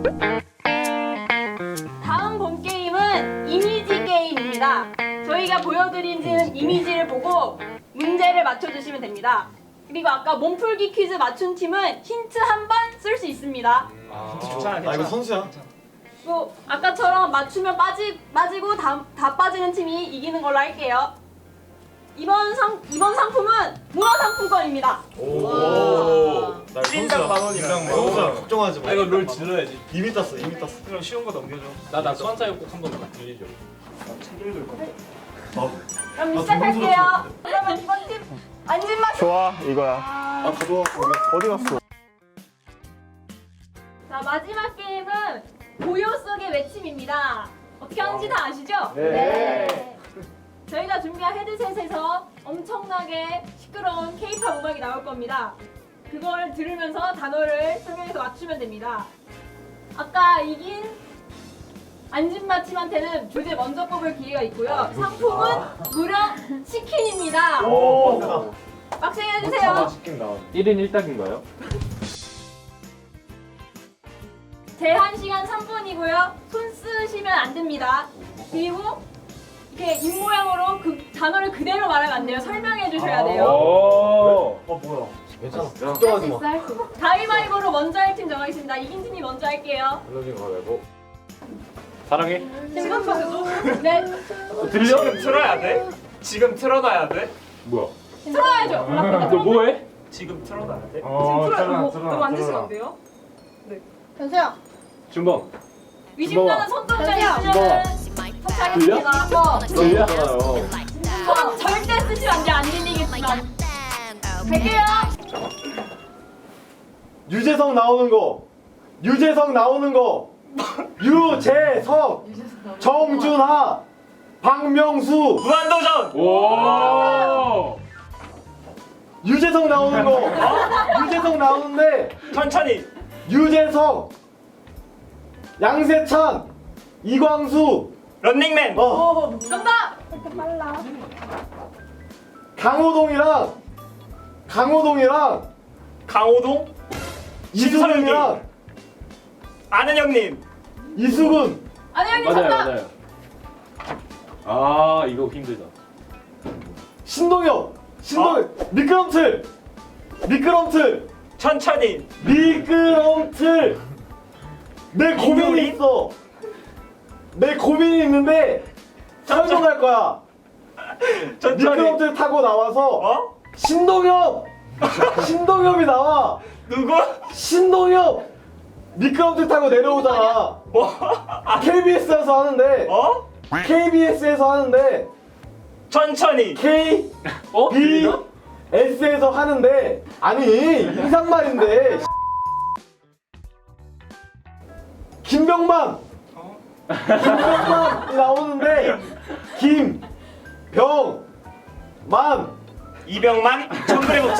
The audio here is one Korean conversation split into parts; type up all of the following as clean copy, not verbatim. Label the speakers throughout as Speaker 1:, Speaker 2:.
Speaker 1: 다음 본 게임은 이미지 게임입니다. 저희가 보여드린 이미지를 보고 문제를 맞춰주시면 됩니다. 그리고 아까 몸풀기 퀴즈 맞춘 팀은 힌트 한 번 쓸 수 있습니다.
Speaker 2: 나 이거 선수야.
Speaker 1: 또 아까처럼 맞추면 빠지고 다 빠지는 팀이 이기는 걸로 할게요. 이번 상품은 문화상품권입니다.
Speaker 2: 나
Speaker 3: 찐당 만 원이다.
Speaker 2: 선수야. 걱정하지 마.
Speaker 3: 이거 롤 질러야지.
Speaker 2: 이미 땄어.
Speaker 3: 그럼 쉬운 거 넘겨줘.
Speaker 4: 나 수완사역 꼭 한번 들려줘.
Speaker 3: 책 읽을 거.
Speaker 1: 그럼 시작할게요. 그러면 이번 팀 안진마.
Speaker 5: 좋아 이거야.
Speaker 2: 아 가져와.
Speaker 5: 어디 갔어?
Speaker 1: 자, 마지막 게임은 고요 속의 외침입니다. 어떻게 하는지 다 아시죠?
Speaker 5: 네.
Speaker 1: 저희가 준비한 헤드셋에서 엄청나게 시끄러운 K-팝 음악이 나올 겁니다. 그걸 들으면서 단어를 설명해서 맞추면 됩니다. 아까 이긴 안진마 팀한테는 주제 먼저 뽑을 기회가 있고요. 상품은 무려 치킨입니다.
Speaker 2: 오.
Speaker 1: 빡세게 해주세요.
Speaker 4: 1인 1딱인가요?
Speaker 1: 제한 시간 3분이고요. 손 쓰시면 안 됩니다. 그리고 이렇게 입 모양으로 그 단어를 그대로 말하면 안 돼요. 설명해 주셔야 돼요.
Speaker 4: 오.
Speaker 2: 뭐야? 괜찮아. 걱정하지 마.
Speaker 1: 가위바위보로 먼저 할 팀 정하겠습니다. 이긴 팀이 먼저 할게요.
Speaker 4: 사랑해.
Speaker 1: 지금부터 네,
Speaker 4: 들려?
Speaker 3: 지금 틀어야 돼? 지금 틀어놔야 돼?
Speaker 4: 뭐야?
Speaker 1: 틀어야죠.
Speaker 4: 너 뭐해?
Speaker 3: 지금 틀어놔야 돼?
Speaker 1: 너무 안 드시면 안 돼요?
Speaker 6: 현수야.
Speaker 4: 준범.
Speaker 1: 의심가는 손동작
Speaker 6: 주먹아.
Speaker 1: 있으면
Speaker 4: 들려?
Speaker 1: 터치하겠습니다.
Speaker 4: 들리잖아요.
Speaker 1: 손 절대 쓰시면 안 돼요. 안 들리겠지만. 갈게요.
Speaker 2: 유재석 나오는 거. 유재석 나오는 거. 유재석. 정준하. 박명수.
Speaker 3: 무한도전!
Speaker 4: 오.
Speaker 2: 유재석 나오는 거. 유재석 나오는데.
Speaker 3: 천천히!
Speaker 2: 유재석. 양세찬. 이광수.
Speaker 3: 런닝맨!
Speaker 1: 정답.
Speaker 2: 강호동이랑
Speaker 3: 강호동?
Speaker 2: 이수근이랑
Speaker 3: 아는 형님!
Speaker 2: 이수근.
Speaker 1: 안녕님
Speaker 4: 맞아요,
Speaker 1: 정답.
Speaker 4: 맞아요. 아, 이거 힘들다.
Speaker 2: 신동엽. 미끄럼틀.
Speaker 3: 천천히!
Speaker 2: 미끄럼틀. 내 고민이
Speaker 3: 이노린?
Speaker 2: 있어. 내 고민이 있는데 설명할 거야.
Speaker 3: 천천히!
Speaker 2: 미끄럼틀 타고 나와서
Speaker 3: 어?
Speaker 2: 신동엽이 나와.
Speaker 3: 누구?
Speaker 2: 신동엽 미끄럼틀 타고 내려오잖아.
Speaker 3: 뭐?
Speaker 2: KBS에서 하는데
Speaker 3: 어?
Speaker 2: KBS에서 하는데
Speaker 3: 천천히!
Speaker 4: 어? 들리나?
Speaker 2: KBS에서 하는데 아니 인상말인데 김병만이 나오는데 김병만
Speaker 3: 이병만? 정글의 목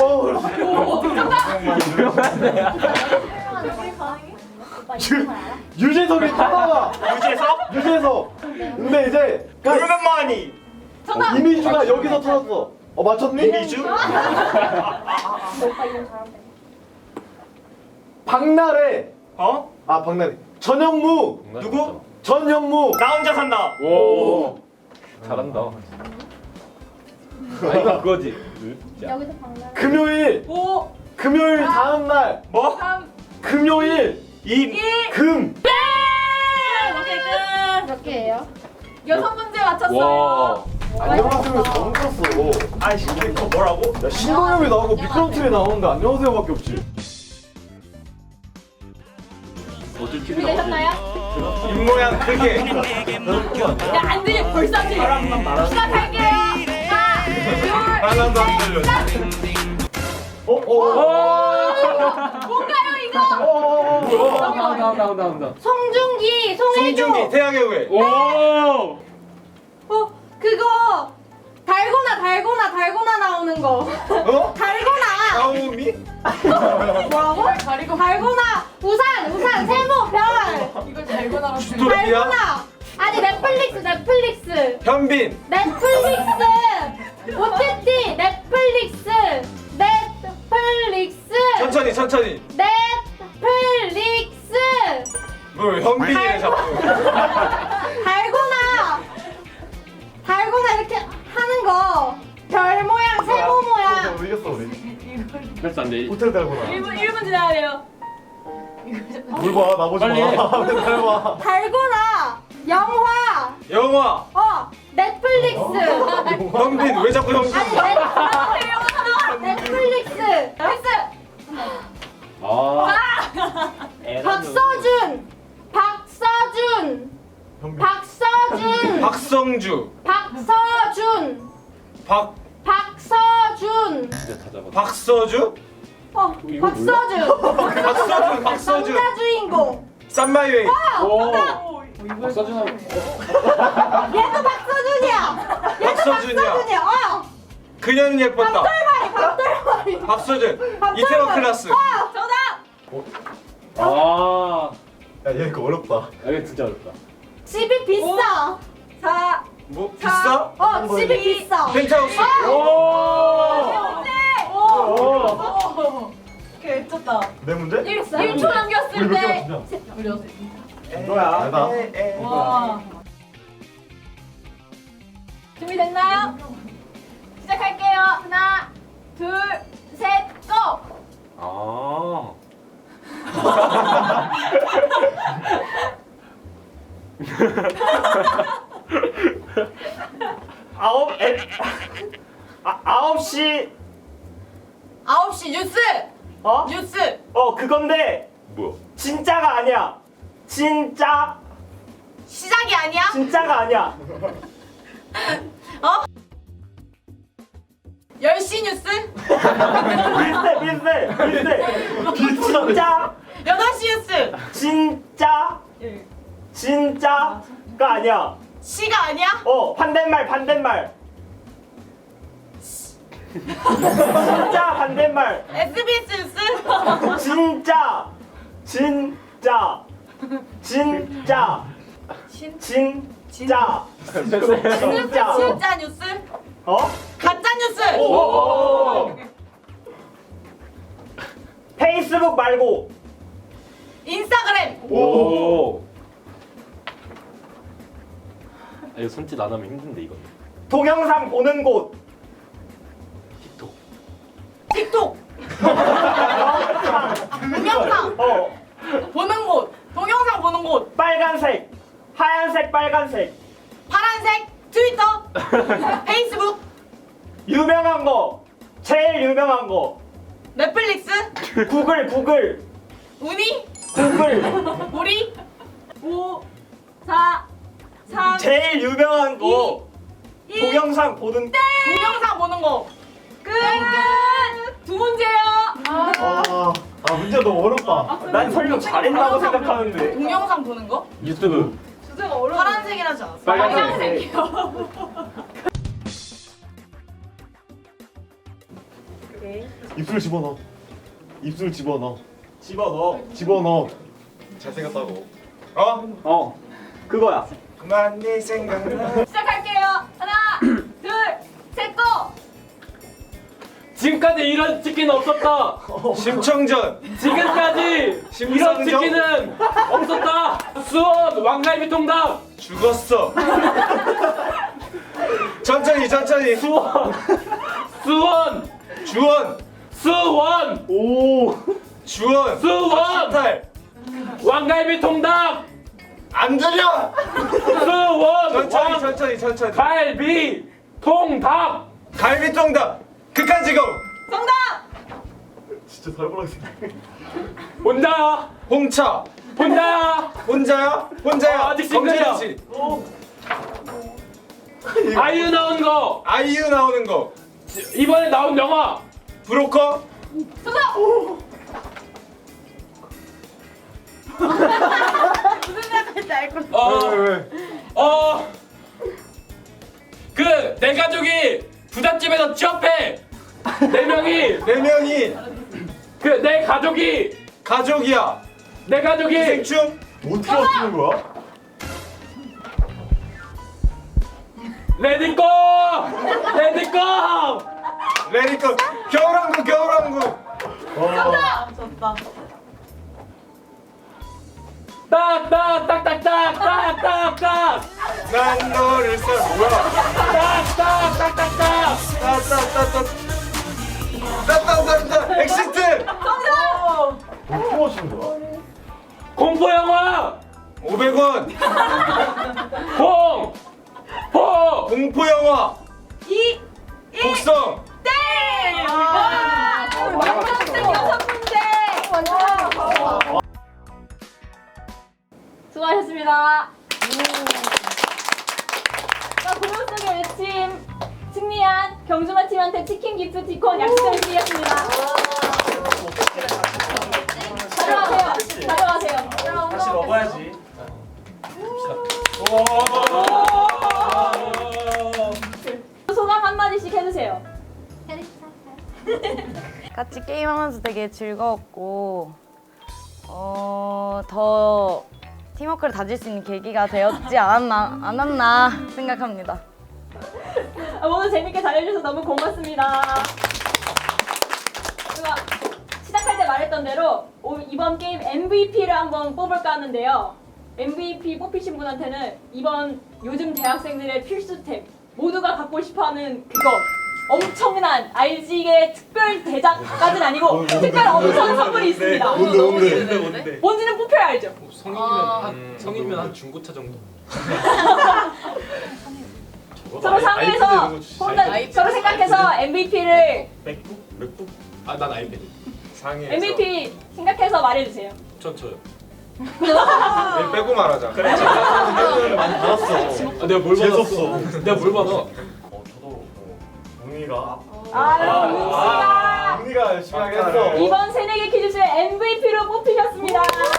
Speaker 2: 그 유재석이 타다가
Speaker 3: 유재석?
Speaker 2: 근데 이제
Speaker 3: 그러면 뭐하니?
Speaker 2: 이미주가 여기서 터졌어. 맞췄니?
Speaker 3: 이미주?
Speaker 2: 박나래.
Speaker 3: 어?
Speaker 2: 박나래. 전현무.
Speaker 3: 누구?
Speaker 2: 전현무.
Speaker 3: 나 혼자 산다!
Speaker 4: 오. 잘한다. 아, 이거 그거지.
Speaker 6: 여기서 방랑.
Speaker 2: 금요일.
Speaker 1: 오.
Speaker 2: 금요일 다음 날.
Speaker 3: 뭐?
Speaker 1: 다음.
Speaker 2: 금요일. 금.
Speaker 1: 네. 오케이 끝.
Speaker 6: 몇 개예요?
Speaker 1: 6문제 맞췄어요.
Speaker 4: 와.
Speaker 2: 안녕하세요. 너무 컸어.
Speaker 3: 아이씨 이거 뭐라고?
Speaker 2: 야, 신동엽이 나오고 미끄럼틀이 나오는데 안녕하세요밖에 없지.
Speaker 4: 어쩔 TV
Speaker 1: 준비되셨나요?
Speaker 3: 입모양 크게!
Speaker 1: 야, 안 들려. 벌써 안 들려. 시작할게요.
Speaker 3: 하나도 안 들려.
Speaker 1: 뭔가요 이거?
Speaker 4: 나온다.
Speaker 6: 송중기, 송혜교.
Speaker 3: 태양의 후예!
Speaker 4: 오.
Speaker 6: 그거 달고나 나오는 거.
Speaker 3: 어?
Speaker 6: 달고나.
Speaker 3: 나오미?
Speaker 6: 뭐라고? 달고나. 우산, 세모, 별.
Speaker 1: 이걸 달고나로
Speaker 6: 달고나. 아니 넷플릭스.
Speaker 3: 현빈!
Speaker 6: 넷플릭스. OTT 넷플릭스.
Speaker 3: 천천히!
Speaker 6: 넷플릭스.
Speaker 3: 뭐? 자꾸 현빈이네 자꾸.
Speaker 6: 달고나 이렇게 하는 거. 별 모양, 세모 모양.
Speaker 2: 이겼어 우리.
Speaker 4: 그래서 안 돼.
Speaker 2: 호텔 달고나.
Speaker 1: 1분 지나야 돼요.
Speaker 2: 뭘 봐, 나 보지
Speaker 4: 빨리 해.
Speaker 2: 마. 맨날 봐.
Speaker 6: 달고나. 영화.
Speaker 3: 영화.
Speaker 6: 넷플릭스.
Speaker 3: 현빈 왜 자꾸 현빈?
Speaker 6: 아니, 넷플릭스.
Speaker 1: 패스.
Speaker 4: 아.
Speaker 6: 박서준.
Speaker 2: 현빈.
Speaker 3: 박성주.
Speaker 6: 박서준.
Speaker 4: 진짜 다 잡았다.
Speaker 3: 박서주?
Speaker 4: 이거
Speaker 6: 박서준.
Speaker 3: 박서주.
Speaker 6: 남자 주인공.
Speaker 3: 쌈마이웨이.
Speaker 4: 오. 박서준하고.
Speaker 6: 얘도 박서준이야.
Speaker 3: 박서준이야. 그녀는 예뻤다.
Speaker 6: 박돌머리.
Speaker 3: 박서준. 이태원 클라스.
Speaker 1: 정답.
Speaker 4: 아.
Speaker 2: 야, 얘 이거 어렵다.
Speaker 4: 아, 이거 진짜 어렵다.
Speaker 6: 집이 비싸.
Speaker 1: 4.
Speaker 3: 뭐 비싸?
Speaker 6: 집이 비싸.
Speaker 3: 펜트하우스.
Speaker 4: 오.
Speaker 1: 오케이, 미쳤다.
Speaker 2: 내 문제?
Speaker 1: 1초 남겼을
Speaker 2: 우리 몇
Speaker 1: 때.
Speaker 2: 개만 너야. 내다.
Speaker 1: 와. 준비됐나요? 시작할게요. 하나, 둘, 셋, 고!
Speaker 4: 아.
Speaker 7: 아홉 시
Speaker 1: 9시 뉴스!
Speaker 7: 어?
Speaker 1: 뉴스!
Speaker 7: 그건데
Speaker 4: 뭐야?
Speaker 7: 진짜가 아니야. 진짜가
Speaker 1: 시작이 아니야?
Speaker 7: 아니야.
Speaker 1: 10시 뉴스?
Speaker 7: 비슷해. 진짜
Speaker 1: 8시 뉴스!
Speaker 7: 진짜가 아니야.
Speaker 1: 시가 아니야?
Speaker 7: 반대말. 진짜 반대말.
Speaker 1: SBS 뉴스?
Speaker 7: 진짜 진짜
Speaker 1: 진짜 뉴스? 가짜 뉴스!
Speaker 7: 페이스북 말고
Speaker 1: 인스타그램!
Speaker 4: 오. 아, 이거 손짓 안 하면 힘든데 이거.
Speaker 7: 동영상 보는 곳.
Speaker 4: 틱톡.
Speaker 1: 틱톡! 동영상! 보는 곳! 동영상 보는 곳!
Speaker 7: 빨간색 하얀색 빨간색
Speaker 1: 파란색! 트위터! 페이스북!
Speaker 7: 유명한 거 제일 유명한 거
Speaker 1: 넷플릭스!
Speaker 7: 구글
Speaker 1: 우니! 우리! 5 4 3
Speaker 7: 제일 유명한 거 동영상 보는
Speaker 1: 동영상 보는 거! 끝! 두 문제요!
Speaker 2: 문제 너무 어렵다.
Speaker 7: 난 설명 잘했다고 생각하는데
Speaker 1: 동영상 보는 거?
Speaker 4: 유튜브.
Speaker 1: 주제가 어려워. 파란색이라지 않았어?
Speaker 4: 빨간색.
Speaker 1: 빨간색이요.
Speaker 2: 입술 집어넣어. 잘생겼다고.
Speaker 7: 그거야.
Speaker 3: 그만 네 생각나.
Speaker 1: 시작할게요. 하나, 둘, 셋, 고!
Speaker 4: 지금까지 이런 치킨은 없었다.
Speaker 3: 심청전.
Speaker 4: 지금까지 이런
Speaker 3: 심상정?
Speaker 4: 치킨은 없었다. 수원 왕갈비 통닭.
Speaker 3: 죽었어. 천천히.
Speaker 4: 수원.
Speaker 3: 주원. 주원.
Speaker 4: 수원.
Speaker 3: 탈.
Speaker 4: 왕갈비 통닭.
Speaker 3: 안 들려.
Speaker 4: 수원.
Speaker 3: 천천히.
Speaker 4: 갈비 통닭.
Speaker 3: 갈비통닭. 극한 직업.
Speaker 1: 정답!
Speaker 2: 진짜 살벌하게 생겼네.
Speaker 4: 혼자야.
Speaker 3: 홍차.
Speaker 4: 혼자야.
Speaker 3: 혼자야.
Speaker 4: 아직 싱글이야.
Speaker 3: 검진이지.
Speaker 4: 아이유 나온 거.
Speaker 3: 아이유 나오는 거.
Speaker 4: 이번에 나온 영화.
Speaker 3: 브로커.
Speaker 1: 정답! 무슨 생각할지 알 것 같아.
Speaker 2: 왜?
Speaker 4: 그 내 가족이 부잣집에서 취업해. 네 명이 그 내 가족이
Speaker 3: 가족이야. 기생충.
Speaker 2: 어떻게 맞추는 거야?
Speaker 4: 레디고.
Speaker 3: 레디컷. 겨울왕국.
Speaker 1: 정답! 졌다.
Speaker 4: 딱딱딱딱딱딱딱딱딱
Speaker 3: 난 너를 뭐야?
Speaker 4: 딱딱딱딱딱
Speaker 3: 따따따따따따따따따 엑시트.
Speaker 2: 뭐 하시는 거야?
Speaker 4: 공포 영화
Speaker 3: 500원. 공포 영화. 곡성.
Speaker 1: 수고하셨습니다. 자, 공연 속의 외침 승리한 경주마 팀한테 치킨 기프티콘 약속을 드리겠습니다. 가져가세요. 가져가세요.
Speaker 7: 다시 먹어야지.
Speaker 1: 소감 한마디씩 해주세요.
Speaker 8: 같이 게임하면서 되게 즐거웠고 더 팀워크를 다질 수 있는 계기가 되었지 않았나 생각합니다.
Speaker 1: 모두 재밌게 잘해주셔서 너무 고맙습니다. 제가 시작할 때 말했던 대로 이번 게임 MVP를 한번 뽑을까 하는데요. MVP 뽑히신 분한테는 이번 요즘 대학생들의 필수템, 모두가 갖고 싶어하는 그것, 엄청난 RG의 특별 대작까지는 아니고 특별 엄청 선물이 있습니다.
Speaker 2: 뭔데?
Speaker 1: 뭔지는 뽑혀야 알죠?
Speaker 4: 성인이면 한 중고차 정도.
Speaker 1: 서로 상의해서 서로 생각해서 MVP를
Speaker 2: 맥북?
Speaker 4: 아 난 아이패드.
Speaker 3: 상해에서.
Speaker 1: MVP 생각해서 말해주세요.
Speaker 4: 전 저요.
Speaker 3: 빼고 말하자. 그래.
Speaker 2: 많이 받았어.
Speaker 4: 아, 내가 뭘
Speaker 2: 재수없어.
Speaker 4: 받았어? 내가 뭘 받아?
Speaker 2: 저도 문희가
Speaker 1: 문희가
Speaker 2: 열심히 하게 했어.
Speaker 1: 이번 새내기 퀴즈쇼의 MVP로 뽑히셨습니다.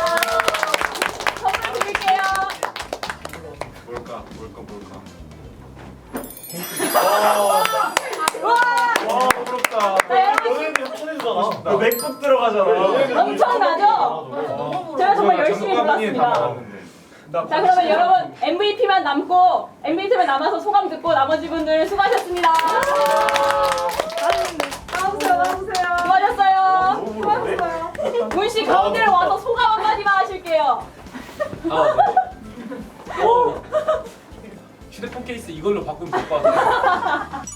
Speaker 1: 선물 드릴게요.
Speaker 3: 뭘까?
Speaker 2: 와 부럽다.
Speaker 1: 네, 여러분
Speaker 2: 연예인들 추천해주잖아. 너 맥북 들어가잖아.
Speaker 1: 엄청나죠? 제가 정말 열심히 골랐습니다. 자, 그러면 여러분 MVP만 남고 MVP만 남아서 소감 듣고 나머지 분들 수고하셨습니다. 나오세요. 수고하셨어요. 수고하셨어요. 문씨 가운데로 와서 소감 한마디만 하실게요.
Speaker 4: 아 네. 휴대폰 케이스 이걸로 바꾸면 될 것 같아요.